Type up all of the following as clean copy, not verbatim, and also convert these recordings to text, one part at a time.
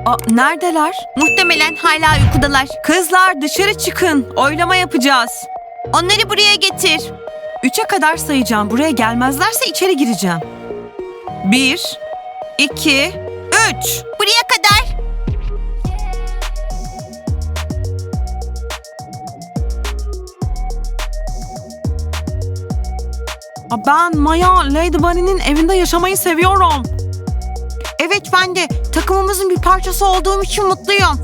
Neredeler? Muhtemelen hala uykudalar. Kızlar dışarı çıkın. Oylama yapacağız. Onları buraya getir. 3'e kadar sayacağım. Buraya gelmezlerse içeri gireceğim. 1, 2, 3. Buraya kadar. Ben Maya, Lady Bunny'nin evinde yaşamayı seviyorum. Evet, ben de takımımızın bir parçası olduğum için mutluyum.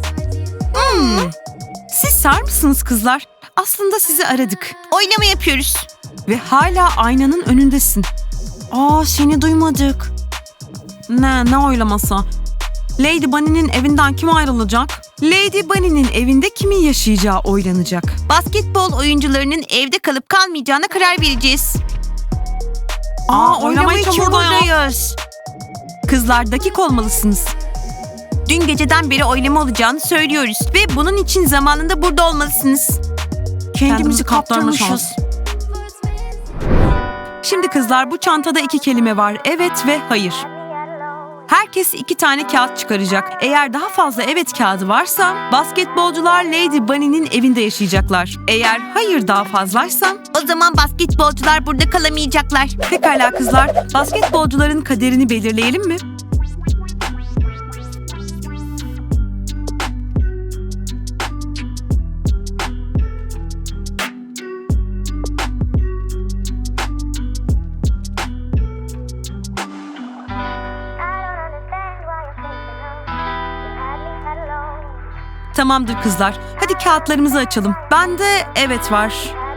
Siz sağır mısınız kızlar? Aslında sizi aradık. Oylama yapıyoruz. Ve hala aynanın önündesin. Seni duymadık. Ne oylaması? Lady Bunny'nin evinden kim ayrılacak? Lady Bunny'nin evinde kimin yaşayacağı oylanacak. Basketbol oyuncularının evde kalıp kalmayacağına karar vereceğiz. Oylama için buradayız. buradayız. Kızlar dakik olmalısınız. Dün geceden beri oylama olacağını söylüyoruz ve bunun için zamanında burada olmalısınız. Kendimizi kaptırmışız. Şimdi kızlar bu çantada 2 kelime var. Evet ve hayır. Herkes 2 tane kağıt çıkaracak. Eğer daha fazla evet kağıdı varsa basketbolcular Lady Bunny'nin evinde yaşayacaklar. Eğer hayır daha fazlaysa O zaman basketbolcular burada kalamayacaklar. pekala kızlar basketbolcuların kaderini belirleyelim mi? Tamamdır kızlar. Hadi kağıtlarımızı açalım. Bende evet var.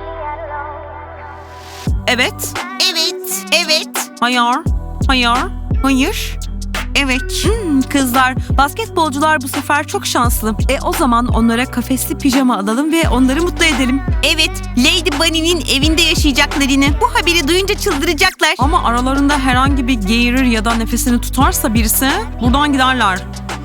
Evet. Evet, evet, Hayır. Hayır. Hayır. evet. Kızlar, basketbolcular bu sefer çok şanslı. O zaman onlara kafesli pijama alalım ve onları mutlu edelim. Evet, Lady Bunny'nin evinde yaşayacaklarını bu haberi duyunca çıldıracaklar. Ama aralarında herhangi bir geğirir ya da nefesini tutarsa birisi buradan giderler.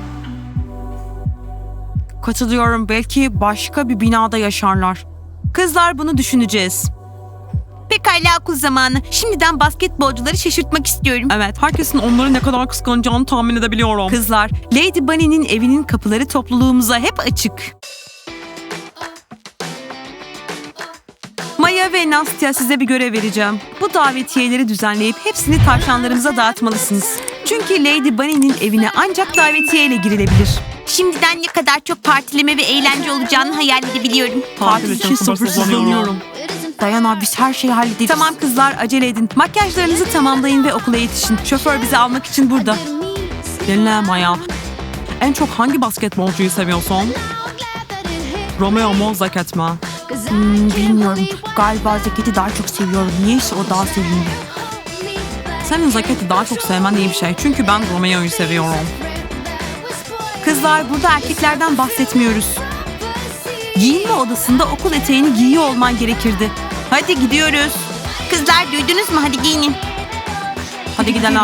Katılıyorum. Belki başka bir binada yaşarlar. Kızlar bunu düşüneceğiz. Pekala okul zamanı. Şimdiden basketbolcuları şaşırtmak istiyorum. Evet, herkesin onları ne kadar kıskanacağını tahmin edebiliyorum. Kızlar, Lady Bunny'nin evinin kapıları topluluğumuza hep açık. Maya ve Nastya size bir görev vereceğim. Bu davetiyeleri düzenleyip hepsini tavşanlarımıza dağıtmalısınız. Çünkü Lady Bunny'nin evine ancak davetiyeyle girilebilir. Şimdiden ne kadar çok partileme ve eğlence olacağını hayal edebiliyorum. Tatil için sabırsızlanıyorum. Dayana biz her şeyi hallederiz. Tamam kızlar acele edin. Makyajlarınızı tamamlayın ve okula yetişin. Şoför bizi almak için burada. Dinle Maya. En çok hangi basketbolcuyu seviyorsun? Romeo mu Zeket mi? Bilmiyorum. Galiba Zeket'i daha çok seviyorum. Niyeyse o daha sevimli. Senin Zeket'i daha çok sevmen iyi bir şey. Çünkü ben Romeo'yu seviyorum. Kızlar burada erkeklerden bahsetmiyoruz. Giyinme odasında okul eteğini giyiyor olman gerekirdi. Hadi gidiyoruz. Kızlar duydunuz mu? Hadi giyinin. Hadi gidelim.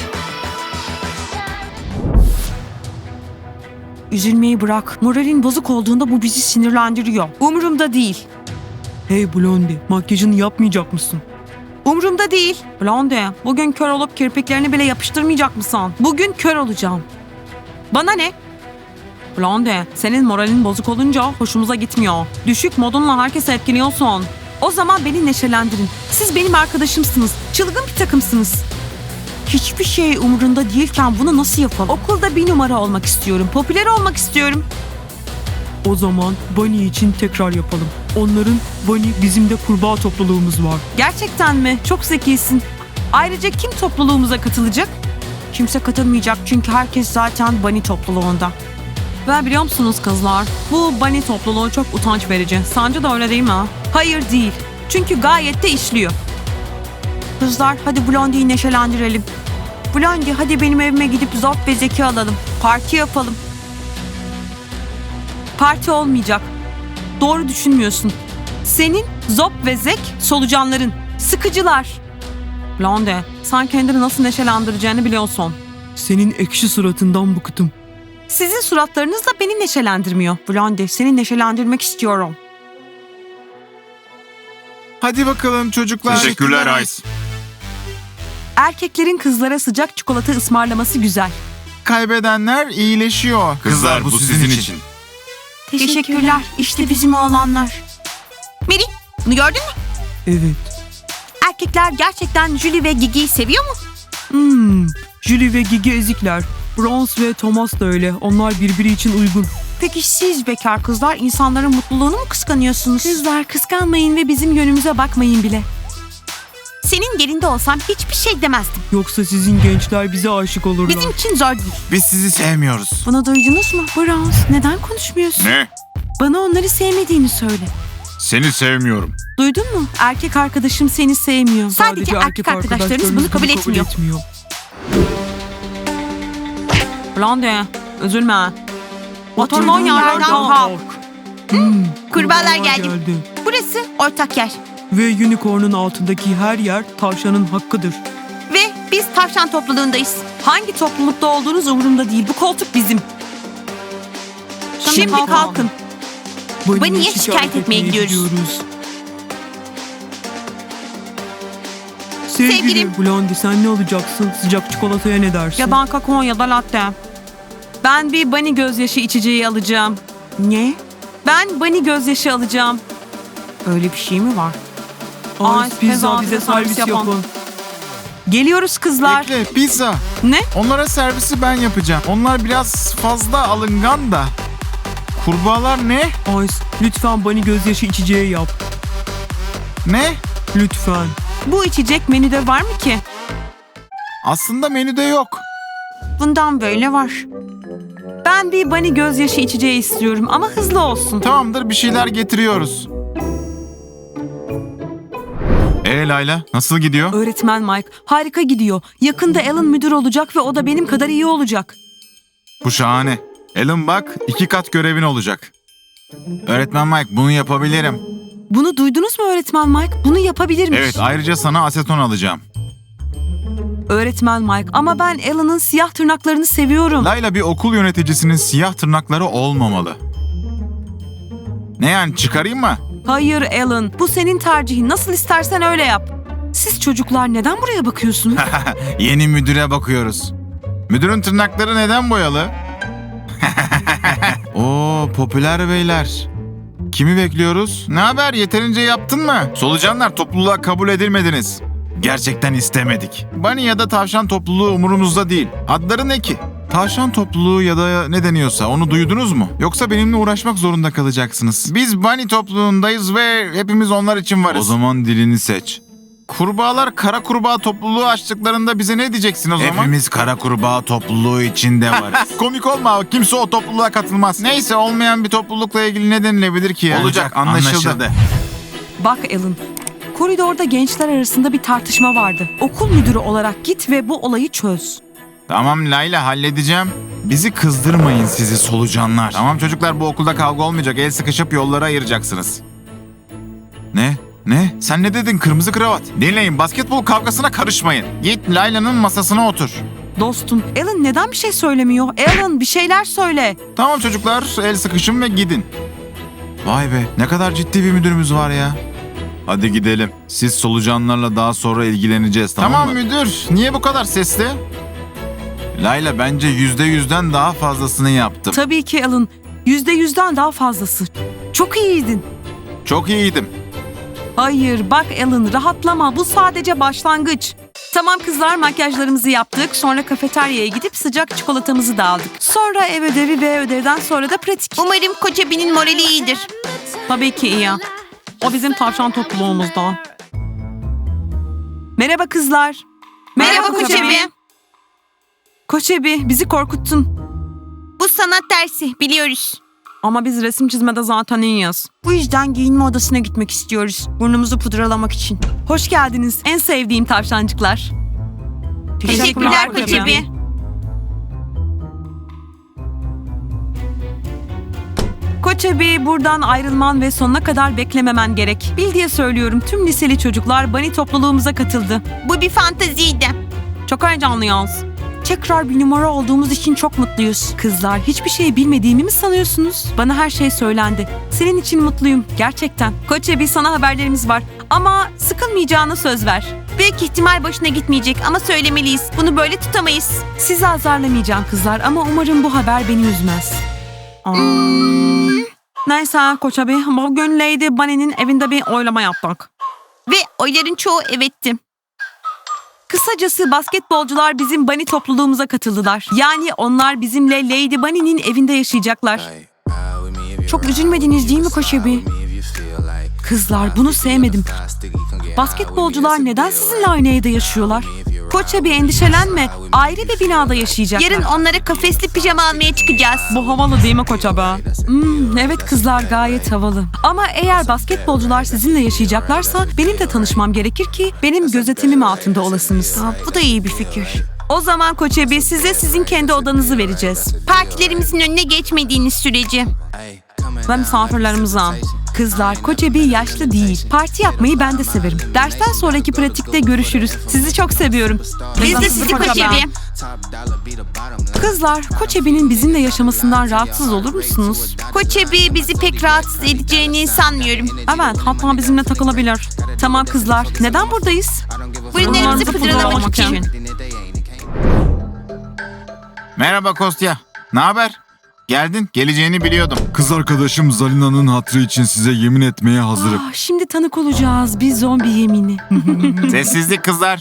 Üzülmeyi bırak. Moralin bozuk olduğunda bu bizi sinirlendiriyor. Umurumda değil. Hey Blondie, makyajını yapmayacak mısın? Umurumda değil. Blondie, bugün kör olup kirpiklerini bile yapıştırmayacak mısın? Bugün kör olacağım. Bana ne? Blondie, senin moralin bozuk olunca hoşumuza gitmiyor. Düşük modunla herkese etkiliyorsun. O zaman beni neşelendirin. Siz benim arkadaşımsınız. Çılgın bir takımsınız. Hiçbir şey umurunda değilken bunu nasıl yapalım? Okulda bir numara olmak istiyorum. Popüler olmak istiyorum. O zaman Bunny için tekrar yapalım. Onların Bunny bizim de kurbağa topluluğumuz var. Gerçekten mi? Çok zekisin. Ayrıca kim topluluğumuza katılacak? Kimse katılmayacak çünkü herkes zaten Bunny topluluğunda. Ve biliyor musunuz kızlar? Bu Bunny topluluğu çok utanç verici. Sence de öyle değil mi? Hayır değil. Çünkü gayet de işliyor. Kızlar hadi Blondie'yi neşelendirelim. Blondie hadi benim evime gidip Zop ve Zeki alalım. Parti yapalım. Parti olmayacak. Doğru düşünmüyorsun. Senin Zop ve Zek solucanların. Sıkıcılar. Blondie sen kendini nasıl neşelendireceğini biliyorsun. Senin ekşi suratından bıktım. Sizin suratlarınız da beni neşelendirmiyor. Blondie seni neşelendirmek istiyorum. Hadi bakalım çocuklar. Teşekkürler Ice. Erkeklerin kızlara sıcak çikolata ısmarlaması güzel. kaybedenler iyileşiyor. Kızlar bu sizin için. Teşekkürler. İşte bizim oğlanlar. Mary, bunu gördün mü? Evet. Erkekler gerçekten Julie ve Gigi'yi seviyor mu? Julie ve Gigi ezikler. Bronze ve Thomas da öyle. Onlar birbiri için uygun. Peki siz bekar kızlar insanların mutluluğunu mu kıskanıyorsunuz? Kızlar kıskanmayın ve bizim yönümüze bakmayın bile. Senin yerinde olsam hiçbir şey demezdim. Yoksa sizin gençler bize aşık olurlar. Bizim için zor değil. Biz sizi sevmiyoruz. Bunu duydunuz mu? Bronze, neden konuşmuyorsun? Ne? Bana onları sevmediğini söyle. Seni sevmiyorum. Duydun mu? Erkek arkadaşım seni sevmiyor. Sadece Sadece erkek arkadaşlarınız bunu kabul etmiyor. Blondie, üzülme. Oturduğun yerden kalk. Kurbağalar Kurbağalar geldi. Burası ortak yer. Ve unicorn'un altındaki her yer tavşanın hakkıdır. Ve biz tavşan topluluğundayız. Hangi toplulukta olduğunuz umurumda değil. Bu koltuk bizim. Şimdi kalkın. Bunny'e Bunny'e şikayet etmeye gidiyoruz. Sevgili Sevgilim. Blondie, sen ne olacaksın? Sıcak çikolataya ne dersin? Ya ben kakao ya da latte. Ben bir bunny gözyaşı içeceği alacağım. Ne? Ben bunny gözyaşı alacağım. Öyle bir şey mi var? Ay, pizza bize servis yapın. Geliyoruz kızlar. Bekle, pizza. Ne? Onlara servisi ben yapacağım. Onlar biraz fazla alıngan da. Kurbağalar ne? Ice, lütfen bunny gözyaşı içeceği yap. Ne? Lütfen. Bu içecek menüde var mı ki? Aslında menüde yok. Bundan böyle var. Ben bir bunny gözyaşı içeceği istiyorum ama hızlı olsun. Tamamdır, bir şeyler getiriyoruz. Layla, nasıl gidiyor? Öğretmen Mike, harika gidiyor. Yakında Alan müdür olacak ve o da benim kadar iyi olacak. Bu şahane. Alan bak, 2 kat görevin olacak. Öğretmen Mike, bunu yapabilirim. Bunu duydunuz mu öğretmen Mike? Bunu yapabilirmiş. Evet, ayrıca sana aseton alacağım. Öğretmen Mike, ama ben Alan'ın siyah tırnaklarını seviyorum. Layla, bir okul yöneticisinin siyah tırnakları olmamalı. Ne yani, çıkarayım mı? Hayır Alan, bu senin tercihin. Nasıl istersen öyle yap. Siz çocuklar neden buraya bakıyorsunuz? Yeni müdüre bakıyoruz. Müdürün tırnakları neden boyalı? Oo, popüler beyler. Kimi bekliyoruz? Ne haber? Yeterince yaptın mı? Solucanlar, topluluğa kabul edilmediniz. Gerçekten istemedik. Bunny ya da tavşan topluluğu umurumuzda değil. Adları ne ki? Tavşan topluluğu ya da ne deniyorsa onu duydunuz mu? Yoksa benimle uğraşmak zorunda kalacaksınız. Biz Bunny topluluğundayız ve hepimiz onlar için varız. O zaman dilini seç. Kurbağalar kara kurbağa topluluğu açtıklarında bize ne diyeceksin o zaman? Hepimiz kara kurbağa topluluğu içinde varız. Komik olma, kimse o topluluğa katılmaz. Neyse, olmayan bir toplulukla ilgili ne denilebilir ki yani? Olacak, anlaşıldı. Bak Alan, koridorda gençler arasında bir tartışma vardı. Okul müdürü olarak git ve bu olayı çöz. Tamam Layla, halledeceğim. Bizi kızdırmayın sizi solucanlar. Tamam çocuklar, bu okulda kavga olmayacak. El sıkışıp yollara ayıracaksınız. Ne? Ne? Sen ne dedin kırmızı kravat? Dinleyin, basketbol kavgasına karışmayın. Git Layla'nın masasına otur. Dostum, Alan neden bir şey söylemiyor? Alan bir şeyler söyle. Tamam çocuklar, el sıkışın ve gidin. Vay be, ne kadar ciddi bir müdürümüz var ya. Hadi gidelim. Siz solucanlarla daha sonra ilgileneceğiz, tamam mı? Müdür, niye bu kadar sesli? Layla, bence %100'den daha fazlasını yaptım. Tabii ki Alan, %100'den daha fazlası. Çok iyiydin. Çok iyiydim. Hayır bak Alan, rahatlama, bu sadece başlangıç. Tamam kızlar, makyajlarımızı yaptık. Sonra kafeteryaya gidip sıcak çikolatamızı da aldık. Sonra ev ödevi ve ödevden sonra da pratik. Umarım Koçebi'nin morali iyidir. Tabii ki iyi. O bizim tavşan topluluğumuzda. Merhaba kızlar. Merhaba Koçebi. Koçebi, bizi korkuttun. Bu sanat dersi, biliyoruz. Ama biz resim çizmede zaten iyiyiz. Bu yüzden giyinme odasına gitmek istiyoruz. Burnumuzu pudralamak için. Hoş geldiniz. En sevdiğim tavşancıklar. Teşekkürler Koçebi. Koçebi, buradan ayrılman ve sonuna kadar beklememen gerek. Bil diye söylüyorum, tüm liseli çocuklar Bunny topluluğumuza katıldı. Bu bir fanteziydi. Çok heyecanlıyız. Tekrar bir numara olduğumuz için çok mutluyuz. Kızlar, hiçbir şey bilmediğimi mi sanıyorsunuz? Bana her şey söylendi. Senin için mutluyum, gerçekten. Koçebi, sana haberlerimiz var. Ama sıkılmayacağına söz ver. Ve Büyük ihtimal başına gitmeyecek ama söylemeliyiz. Bunu böyle tutamayız. Sizi azarlamayacağım kızlar ama umarım bu haber beni üzmez. Neyse Koç abi, bugün Lady Bunny'nin evinde bir oylama yaptık. Ve oyların çoğu evetti. Kısacası basketbolcular bizim Bunny topluluğumuza katıldılar. Yani onlar bizimle Lady Bunny'nin evinde yaşayacaklar. Çok üzülmediniz değil mi Koç abi? Kızlar bunu sevmedim. Basketbolcular neden sizinle aynı evde yaşıyorlar? Koç abi endişelenme. Ayrı bir binada yaşayacaklar. Yarın onlara kafesli pijama almaya çıkacağız. Bu havalı değil mi Koç abi? Evet kızlar gayet havalı. Ama eğer basketbolcular sizinle yaşayacaklarsa benim de tanışmam gerekir ki benim gözetimim altında olasınız. Bu da iyi bir fikir. O zaman Koç abi size sizin kendi odanızı vereceğiz. Partilerimizin önüne geçmediğiniz sürece. Ve misafirlerimize. Kızlar, Koç abi yaşlı değil. Parti yapmayı ben de severim. Dersten sonraki pratikte görüşürüz. Sizi çok seviyorum. Biz de sizi Koç abi. Kızlar, Koç abi'nin bizimle yaşamasından rahatsız olur musunuz? Koç abi bizi pek rahatsız edeceğini sanmıyorum. Evet, hatta bizimle takılabilir. Tamam kızlar, neden buradayız? Burunlarımızı pudurlamak için. Merhaba Kostya. Ne haber? Geldin, geleceğini biliyordum. Kız arkadaşım Zalina'nın hatırı için size yemin etmeye hazırım. Şimdi tanık olacağız bir zombi yemini. Sessizlik kızlar.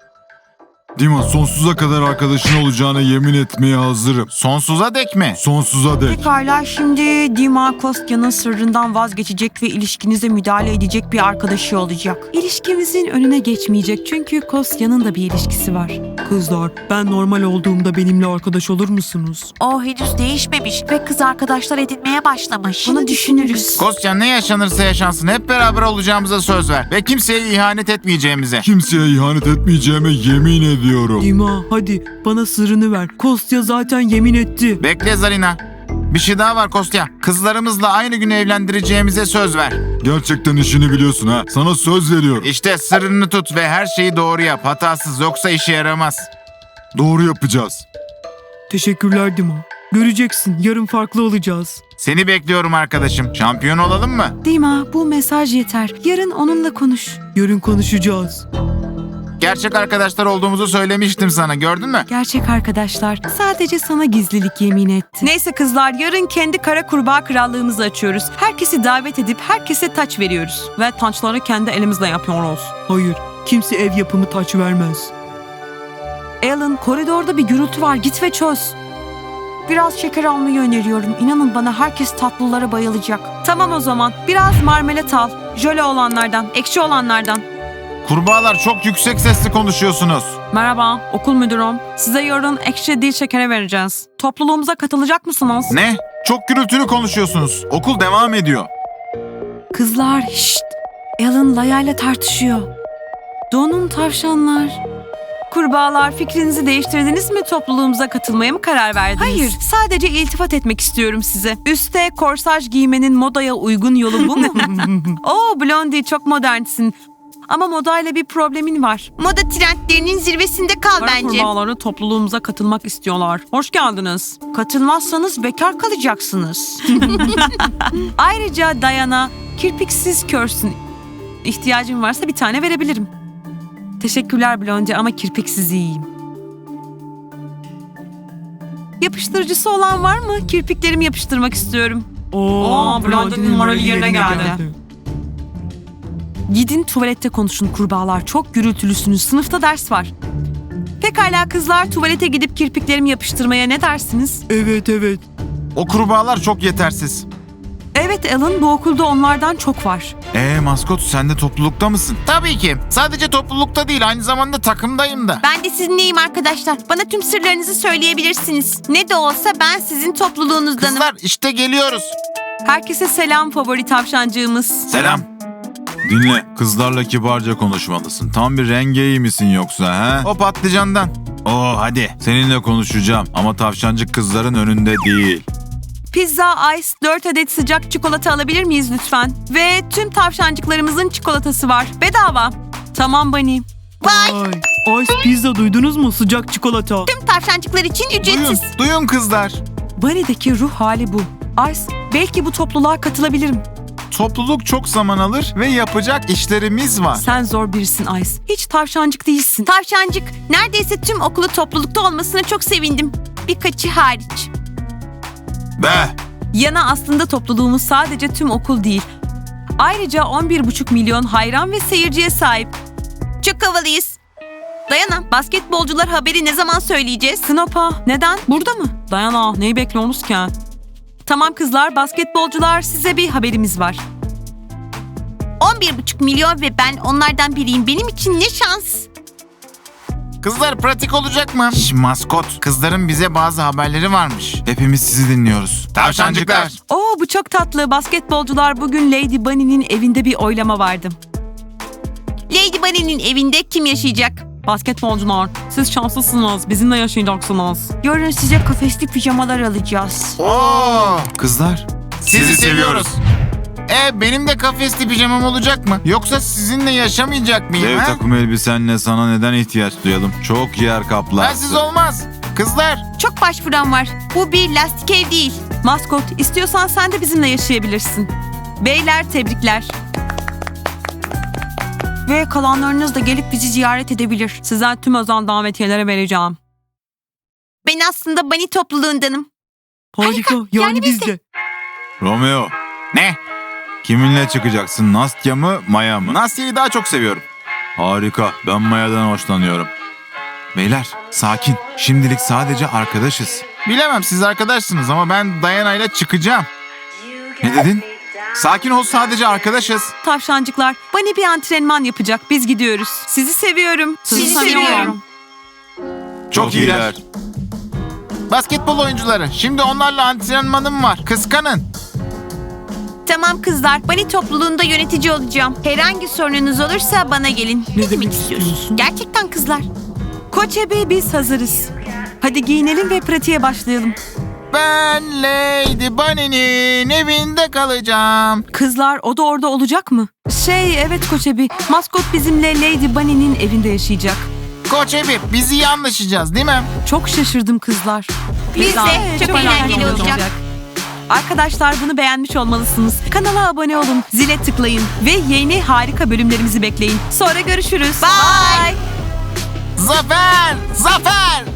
Dima sonsuza kadar arkadaşın olacağına yemin etmeye hazırım. Sonsuza dek mi? Sonsuza dek. Pekala, şimdi Dima Kostya'nın sırrından vazgeçecek ve ilişkinize müdahale edecek bir arkadaşı olacak. İlişkimizin önüne geçmeyecek çünkü Kostya'nın da bir ilişkisi var. Kızlar, ben normal olduğumda benimle arkadaş olur musunuz? O henüz değişmemiş ve kız arkadaşlar edinmeye başlamış. Bunu düşünürüz. Kostya ne yaşanırsa yaşansın hep beraber olacağımıza söz ver. Ve kimseye ihanet etmeyeceğimize. Kimseye ihanet etmeyeceğime yemin ediyorum. Dima, hadi bana sırrını ver. Kostya zaten yemin etti. Bekle Zarina. Bir şey daha var Kostya. Kızlarımızla aynı gün evlendireceğimize söz ver. Gerçekten işini biliyorsun ha. Sana söz veriyorum. İşte sırrını tut ve her şeyi doğru yap. Hatasız yoksa işe yaramaz. Doğru yapacağız. Teşekkürler Dima. Göreceksin, yarın farklı olacağız. Seni bekliyorum arkadaşım. Şampiyon olalım mı? Dima bu mesaj yeter. Yarın onunla konuş. Yarın konuşacağız. Gerçek arkadaşlar olduğumuzu söylemiştim sana. Gördün mü? Gerçek arkadaşlar sadece sana gizlilik yemin etti. Neyse kızlar yarın kendi kara kurbağa krallığımızı açıyoruz. Herkesi davet edip herkese taç veriyoruz. Ve taçları kendi elimizle yapıyoruz. Hayır, kimse ev yapımı taç vermez. Alan koridorda bir gürültü var git ve çöz. Biraz şeker almayı öneriyorum. İnanın bana herkes tatlılara bayılacak. Tamam o zaman biraz marmelat al. Jöle olanlardan, ekşi olanlardan. Kurbağalar çok yüksek sesli konuşuyorsunuz. Merhaba, okul müdürüm. Size yarın ekşi değil şekere vereceğiz. Topluluğumuza katılacak mısınız? Ne? Çok gürültülü konuşuyorsunuz. Okul devam ediyor. Kızlar şşt. Alan Laya'yla tartışıyor. Donun tavşanlar. Kurbağalar fikrinizi değiştirdiniz mi topluluğumuza katılmaya mı karar verdiniz? Hayır sadece iltifat etmek istiyorum size. Üste korsaj giymenin modaya uygun yolu bu mu? Oo Blondie çok modernsin. Ama modayla bir problemin var. Moda trendlerinin zirvesinde kal Kara kurbağaları topluluğumuza katılmak istiyorlar. Hoş geldiniz. Katılmazsanız bekar kalacaksınız. Ayrıca Diana kirpiksiz körsün. İhtiyacın varsa bir tane verebilirim. Teşekkürler Blondie ama kirpiksiz iyiyim. Yapıştırıcısı olan var mı? Kirpiklerimi yapıştırmak istiyorum. Oo, Blondie'nin morali yerine geldi. Gidin tuvalette konuşun kurbağalar. Çok gürültülüsünüz. Sınıfta ders var. Pekala kızlar tuvalete gidip kirpiklerimi yapıştırmaya ne dersiniz? Evet. O kurbağalar çok yetersiz. Evet Alan bu okulda onlardan çok var. Maskot sen de toplulukta mısın? Tabii ki. Sadece toplulukta değil aynı zamanda takımdayım da. Ben de sizinleyim arkadaşlar. Bana tüm sırlarınızı söyleyebilirsiniz. Ne de olsa ben sizin topluluğunuzdanım. Kızlar işte geliyoruz. Herkese selam favori tavşancığımız. Selam. Dinle, kızlarla kibarca konuşmalısın. Tam bir rengeyi misin yoksa ha? O patlıcandan. Hadi. Seninle konuşacağım ama tavşancık kızların önünde değil. Pizza Ice 4 adet sıcak çikolata alabilir miyiz lütfen? Ve tüm tavşancıklarımızın çikolatası var. Bedava. Tamam Bunny. Ay, Ice pizza duydunuz mu? Sıcak çikolata. Tüm tavşancıklar için Duyun kızlar. Bunny'deki ruh hali bu. Ice belki bu topluluğa katılabilirim. topluluk çok zaman alır ve yapacak işlerimiz var. Sen zor birisin Ice. Hiç tavşancık değilsin. Tavşancık, neredeyse tüm okulu toplulukta olmasına çok sevindim. Birkaçı hariç. Be! Yana aslında topluluğumuz sadece tüm okul değil. Ayrıca 11,5 milyon hayran ve seyirciye sahip. Çok havalıyız. Dayana, basketbolcular haberi ne zaman söyleyeceğiz? Knopa, neden? Burada mı? Dayana, neyi bekliyorsunuz ki? Tamam kızlar, basketbolcular, size bir haberimiz var. 11,5 milyon ve ben onlardan biriyim. Benim için ne şans. Kızlar pratik olacak mı? Maskot, kızların bize bazı haberleri varmış. Hepimiz sizi dinliyoruz. Tavşancıklar. Oo, bu çok tatlı. Basketbolcular, bugün Lady Bunny'nin evinde bir oylama vardı. Lady Bunny'nin evinde kim yaşayacak? Basketbolcular, siz şanslısınız. Bizimle yaşayacaksınız. Yarın size kafesli pijamalar alacağız. Oo! Kızlar, sizi seviyoruz. Benim de kafesli pijamam olacak mı? Yoksa sizinle yaşamayacak mıyım? Dev ha? takım elbisenle sana neden ihtiyaç duyalım? Çok yer kaplar. Bensiz olmaz. Kızlar, Çok başvuran var. Bu bir lastik ev değil. Maskot, istiyorsan sen de bizimle yaşayabilirsin. Beyler, tebrikler. Ve kalanlarınız da gelip bizi ziyaret edebilir. Size tüm özel davetiyelere vereceğim. Ben aslında Bunny topluluğundanım. Harika, yani biz de. Romeo, ne? kiminle çıkacaksın? Nastya mı, Maya mı? Nastya'yı daha çok seviyorum. Harika, ben Maya'dan hoşlanıyorum. Beyler, sakin. Şimdilik sadece arkadaşız. Bilemem siz arkadaşsınız ama ben Diana ile çıkacağım. Ne dedin? Sakin ol, sadece arkadaşız. Tavşancıklar, Bunny bir antrenman yapacak. Biz gidiyoruz. Sizi seviyorum. Sizi seviyorum. Çok iyiler. Basketbol oyuncuları, şimdi onlarla antrenmanım var. Kıskanın. Tamam kızlar, Bunny topluluğunda yönetici olacağım. Herhangi sorununuz olursa bana gelin. Ne demek istiyorsun? Gerçekten kızlar. Koç Ebe, biz hazırız. Hadi giyinelim ve pratiğe başlayalım. Ben Lady Bunny'nin evinde kalacağım. Kızlar, o da orada olacak mı? Evet Koç Ebe, maskot bizimle Lady Bunny'nin evinde yaşayacak. Koç Ebi, biz iyi anlaşacağız değil mi? Çok şaşırdım kızlar. Biz de çok eğlenceli olacak. Arkadaşlar, bunu beğenmiş olmalısınız. Kanala abone olun, zile tıklayın ve yeni harika bölümlerimizi bekleyin. Sonra görüşürüz. Bye. Zafer! Zafer!